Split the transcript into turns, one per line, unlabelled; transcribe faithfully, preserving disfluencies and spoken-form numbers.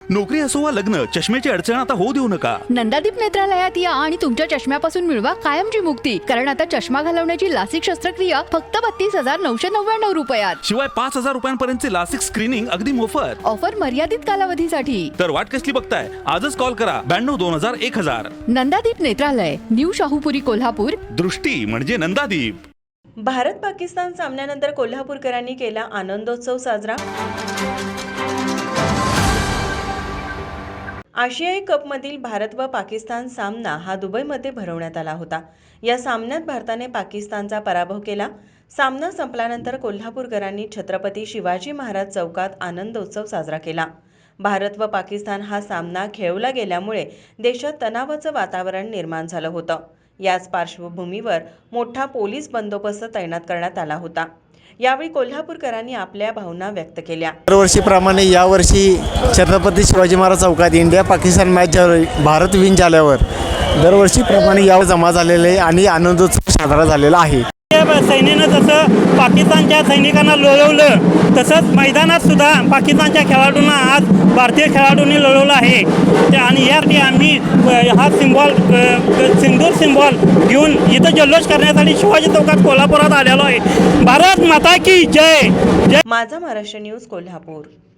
नोकरी असो वा लग्न, चष्म्याची अडचण आता होऊ देऊ नका.
नंदादीप नेत्रालयात या आणि तुमच्या चष्म्यापासून मिळवा कायमची मुक्ती. कारण आता चष्मा घालवण्याची लासिक शस्त्रक्रिया फक्त बत्तीस हजार नऊशे नव्याण्णव रुपयात.
शिवाय पाच हजार रुपयांपर्यंतचे लासिक स्क्रीनिंग अगदी मोफत.
ऑफर मर्यादित कालावधीसाठी.
तर वाट कसली बघताय, आजच कॉल करा ब्याण्णव दोन हजार एक हजार.
नंदादीप नेत्रालय, न्यू शाहूपुरी, कोल्हापूर.
दृष्टी म्हणजे नंदादीप.
भारत पाकिस्तान सामन्यानंतर कोल्हापूरकरांनी केला आनंदोत्सव साजरा. आशियाई कपमधील भारत व पाकिस्तान सामना हा दुबईमध्ये भरवण्यात आला होता. या सामन्यात भारताने पाकिस्तानचा पराभव केला. सामना संपल्यानंतर कोल्हापूरकरांनी छत्रपती शिवाजी महाराज चौकात आनंदोत्सव साजरा केला. भारत व पाकिस्तान हा सामना खेळवला गेल्यामुळे देशात तणावाचं वातावरण निर्माण झालं होतं. याच पार्श्वभूमीवर मोठा पोलीस बंदोबस्त तैनात करण्यात आला होता. यावेळी कोल्हापूरकरांनी आपल्या भावना व्यक्त केल्या.
दरवर्षीप्रमाणे यावर्षी छत्रपती शिवाजी महाराज चौकात India Pakistan match Bharat win झाल्यावर दरवर्षीप्रमाणे यावर जमा झालेले आहे आणि आनंदोत्सव साजरा झालेला आहे.
सैन्यानं जसं पाकिस्तानच्या सैनिकांना लोळवलं तसंच मैदानात सुद्धा पाकिस्तानच्या खेळाडूंना आज भारतीय खेळाडूंनी लोळवलं आहे. आणि यासाठी आम्ही हा सिम्बॉल सिंदूर सिम्बॉल घेऊन इथं जल्लोष करण्यासाठी शिवाजी चौकात कोल्हापुरात आलेलो आहे. भारत माता की जय जय.
माझा महाराष्ट्र न्यूज कोल्हापूर.